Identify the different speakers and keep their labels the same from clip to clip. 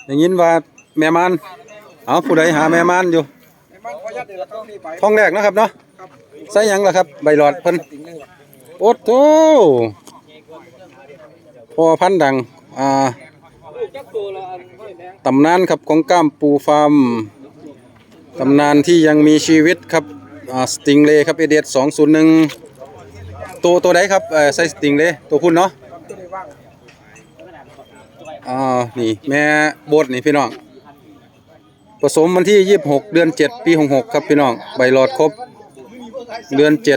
Speaker 1: อย่างนี้ว่าแม่มันเอาผู้ใดหาแม่มันอยู่ท้องแรกนะครับเนาะใส่หยังล่ะครับใบหลอดเพิ่นโอ้โธ่พอพันธุ์ดังตำนานครับของก้ามปูฟาร์มตำนานที่ยังมีชีวิตครับสติงเลย์ครับเอเดส201ตัวใดครับใส่สติงเลย์ตัวพุ่นเนาะนี่แม่โบดนี่พี่น้องผสมวันที่26เดือน7ปี66ครับพี่น้องใบหลอดครบเดือน7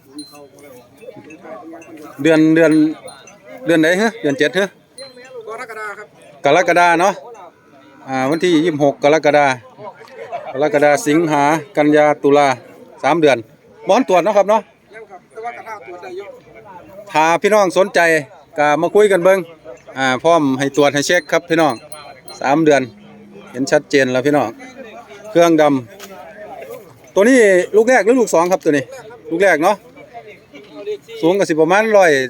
Speaker 1: เดือนไหนฮะเดือน7ฮะกรกฎาครับกรกฎาเนาะวันที่26กรกฎาสิงหากันยาตุลา3เดือนบ่อนตรวจเนาะครับเนาะถ้าพี่น้องสนใจก็มาคุยกันเบิ่งพร้อมให้ตรวจให้เช็คครับพี่น้อง3เดือนเห็นชัดเจนแล้วพี่น้องเครื่องดำตัวนี้ลูกแรกหรือลูก2ครับตัวนี้ลูกแรกเนาะสูงก็สิประมาณ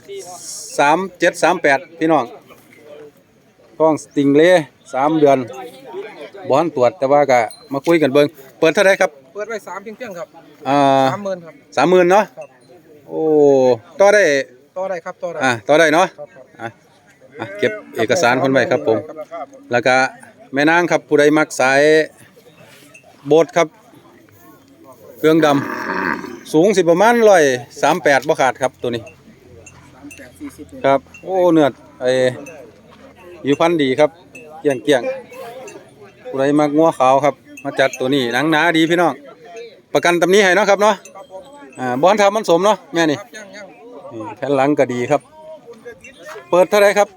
Speaker 1: 137-138พี่น้องท้องสติงเล่3เดือนบ่อนตรวจแต่ว่าก็มาคุยกันเบิ่งเปิดเท่าไหร่ครับ
Speaker 2: เปิดไว้3เพียงครับ30,000ครับ
Speaker 1: 30,000เนาะโอ้ต่อได้
Speaker 2: ครับต่อได้
Speaker 1: ต่อได้เนาะเก็บเอกสารคนไว้ครับผมแล้วก็แม่นางครับผู้ใดมักสายโบสครับเครื่องดำสูงสิประมาณ138บ่ขาดครับตัวนี้ครับโอ้เนื้ออยู่พันดีครับเกี่ยงผู้ใดมักงัวขาวครับมาจัดตัวนี้หนังหนาดีพี่น้องประกันตำนี้ให้เนาะครับเนาะบอนทำมันสมเนาะแม่นี่แผ่นหลังก็ดีครับเปิดเท่าไรครับ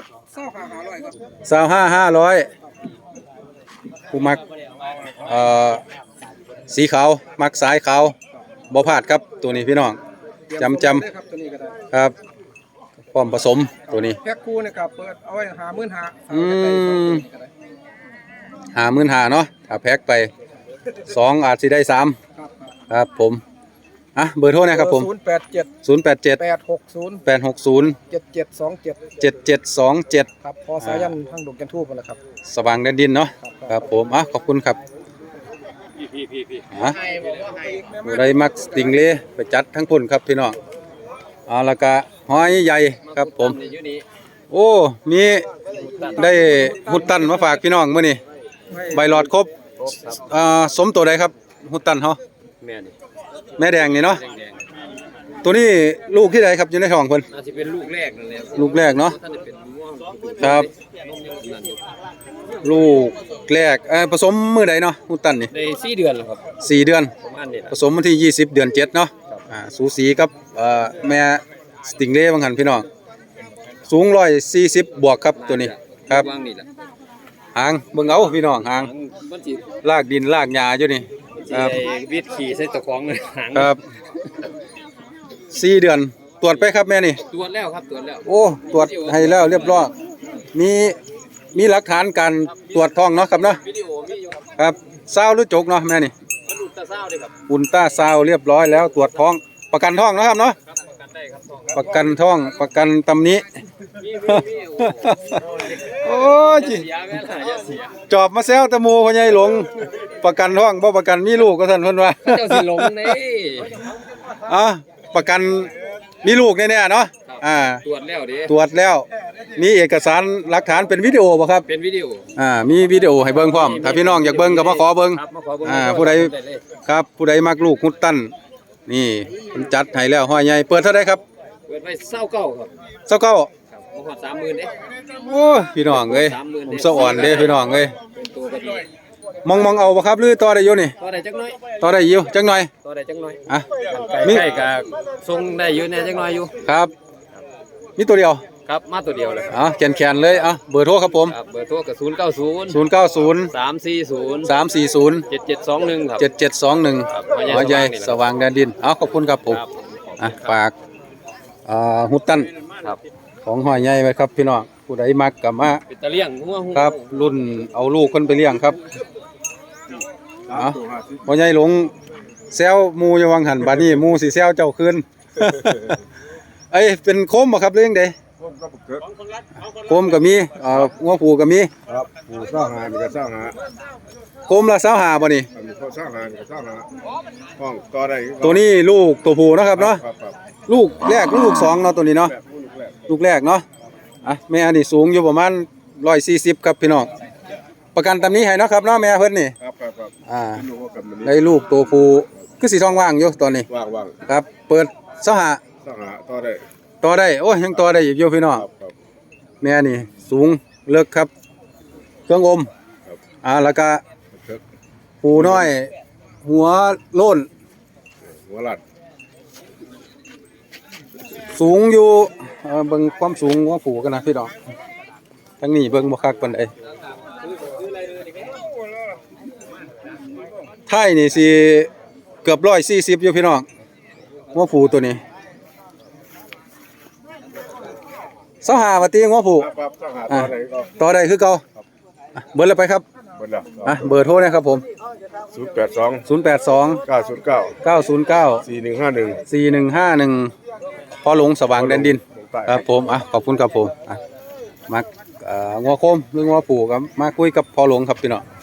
Speaker 1: 25,500ผู้มักสีขาวมักสายขาวบ่พลาดครับตัวนี้พี่น้องจำครับพร้อมผสมตัวนี้
Speaker 2: แพ็คคู่นะครับเปิดเอาไว้
Speaker 1: 55,000เนาะถ้าแพ็คไป2อาจสิได้3ครับผมเบอร์โทรนะครับผม087 860 7727
Speaker 2: ครับพอสายันทางดงจันทูบนั่นแหละครับ
Speaker 1: สว่างแดนดินเนาะครับผมขอบคุณครับได้มักสติงเล่ไปจัดทั้งพุ่นครับพี่น้องแล้วก็หอยใหญ่ครับผมโอ้มีได้หุดตันมาฝากพี่น้องมื้อนี้ใบหลอดครบสมตัวใดครับหุดตันเฮาแม่แดงนี่เนาะตัวนี้ลูกที่ใดครับอยู่ในท้องเพิ่น
Speaker 3: น่าจะเป็นลูกแรกนั่นแหละ
Speaker 1: ลูกแรกเนาะครับลูกแรกผสมมื้อใดเนาะหุดตันนี่
Speaker 3: ได้4เดือนแล้วครับ
Speaker 1: 4เดือนผสมวันที่20เดือน7เนาะสูสีกับแม่สติงเล่บางหันพี่น้องสูง140บวกครับตัวนี้ครับหางเบิ่งเอาพี่น้องหางลากดินลากหญ้าอยู่นี่
Speaker 3: ครับวิทย์ขี่ใส่ตะของเลย
Speaker 1: ครับ4เดือนตรวจไปครับแม่นี่
Speaker 3: ตรวจแล้วครับตรวจแล้ว
Speaker 1: โอ้ตรวจให้แล้วเรียบร้อยมีหลักฐานการตรวจท้องเนาะครับเนาะ
Speaker 3: วิดีโอมีอยู่
Speaker 1: ครับซาวหรือจกเนาะแม่นี่
Speaker 3: อุลตราซาวด์ครับ
Speaker 1: อุลตราซาวด์เรียบร้อยแล้วตรวจท้องประกันท้องนะครับเนาะประกันท้องประกันตำนี้โอ้ยจอบมาแซวตะมูพ่อใหญ่หลงประกันท้องบ่ประกันมีลูกก็ท่านเพิ่นว่า
Speaker 3: เจ้าสิหลงนี่
Speaker 1: ประกันมีลูกแน่ๆเนาะ
Speaker 3: ตรวจแล้วดิ
Speaker 1: ตรวจแล้วมีเอกสารหลักฐานเป็นวิดีโอบ่ครับ
Speaker 3: เป็นวิดีโอ
Speaker 1: มีวิดีโอให้เบิ่งพร้อมถ้าพี่น้องอยากเบิ่งก็มาขอเบิ่งผู้ใดครับผู้ใดมักลูกหุดตันนี่มันจัดให้แล้วห้อยใหญ่เปิดเท่าใดครับ
Speaker 3: เปิดไว้29ครับ
Speaker 1: 29
Speaker 3: ครับบ่ฮอด 30,000เด้
Speaker 1: โอ้พี่น้องเอ้ยผมสะอ่อนเด้พี่น้องเอ้ย
Speaker 3: ตัวก็ดี
Speaker 1: มองเอาบ่ครับหรือต่อได้อยู่นี่
Speaker 3: ต่อได้จักหน่อย
Speaker 1: ต่อได้อยู่จักหน่อย
Speaker 3: ต่อได้จักหน่อยใกล้ๆก็ส่งได้อยู่แน่จักหน่อยอยู่
Speaker 1: ครับมีตัวเดียว
Speaker 3: ครับมาตัวเดียวเลย
Speaker 1: แขนเลยเบอร์โทรครับผม
Speaker 3: เบอร์โทรก็090
Speaker 1: 340
Speaker 3: 7721ครับ
Speaker 1: 7721หัวใหญ่สว่างแดนดินขอบคุณครับผมฝากหุดตันของหอยใหญ่ไว้ครับพี่น้องผู้ใดมักกับมา
Speaker 3: ตะเลี้ยง
Speaker 1: ครับรุ่นเอาลูกคนไปเลี้ยงครับหอยใหญ่หลงแซวมูอยู่วังหันบานี้มูสิแซวเจ้าคืนเป็นโคมบ่ครับเรื่องใด
Speaker 4: ผมก็บุกเถิด
Speaker 1: โคมก็มีงัวผูก็มี
Speaker 4: ครับผู้สร้างหามีก็สร้างหา
Speaker 1: โคมละ25บ่นี่
Speaker 4: อันนี้เขาสร้างหามีก็สร้างหาห้องต่อได้
Speaker 1: ตัวนี้ลูกตัวผู้เนาะครับเนาะ
Speaker 4: ครับครับ
Speaker 1: ลูกแรกลูกสองเนาะตัวนี้เนาะ
Speaker 4: แบบผู้ลูกแรก
Speaker 1: ลูกแรกเนาะแม่อันนี้สูงอยู่ประมาณ140ครับพี่น้องประกันตำนี้ให้เนาะครับเนาะแม่เพิ่นนี่
Speaker 4: ครับครับครับ
Speaker 1: อ่า
Speaker 4: ที่รู้ว่ากันมัน
Speaker 1: ได้ลูกตัวผู้คือสีทองว่างอยู่ตอนนี้
Speaker 4: ว่าง
Speaker 1: ครับ เปิด25
Speaker 4: ๆสร้างหาต่อได้
Speaker 1: ต่อได้โอ้ยยังต่อได้อีกอยู่พี่น้อง
Speaker 4: ครับครับ
Speaker 1: แม่นี่สูงเลิกครับ เครื่องอม
Speaker 4: ครับ
Speaker 1: แล้วก็
Speaker 4: เถิด
Speaker 1: ผู้น้อย หัวโล้น
Speaker 4: หัวหลัด
Speaker 1: สูงอยู่เบิ่งความสูงของผู้กันนะพี่น้องทั้งนี้เบิ่งบ่คักปานใดไทยนี่สิเกือบ140อยู่พี่น้องหัวผู้ตัวนี้25ว่าติหัวผู้
Speaker 4: ครับสร้างหาต่อได้ก็
Speaker 1: ต่อได้คือเก่าเบิดแล้วไปครับ
Speaker 4: หมดแล้ว
Speaker 1: เบอร์โทรนะครับผม
Speaker 4: 082
Speaker 1: 082
Speaker 4: 909
Speaker 1: 909
Speaker 4: 4151
Speaker 1: 4151พอหลงสว่างแดนดินครับผมขอบคุณครับผมมางัวโคมหรืองัวผูกครับมาคุยกับพอหลงครับพี่น้อง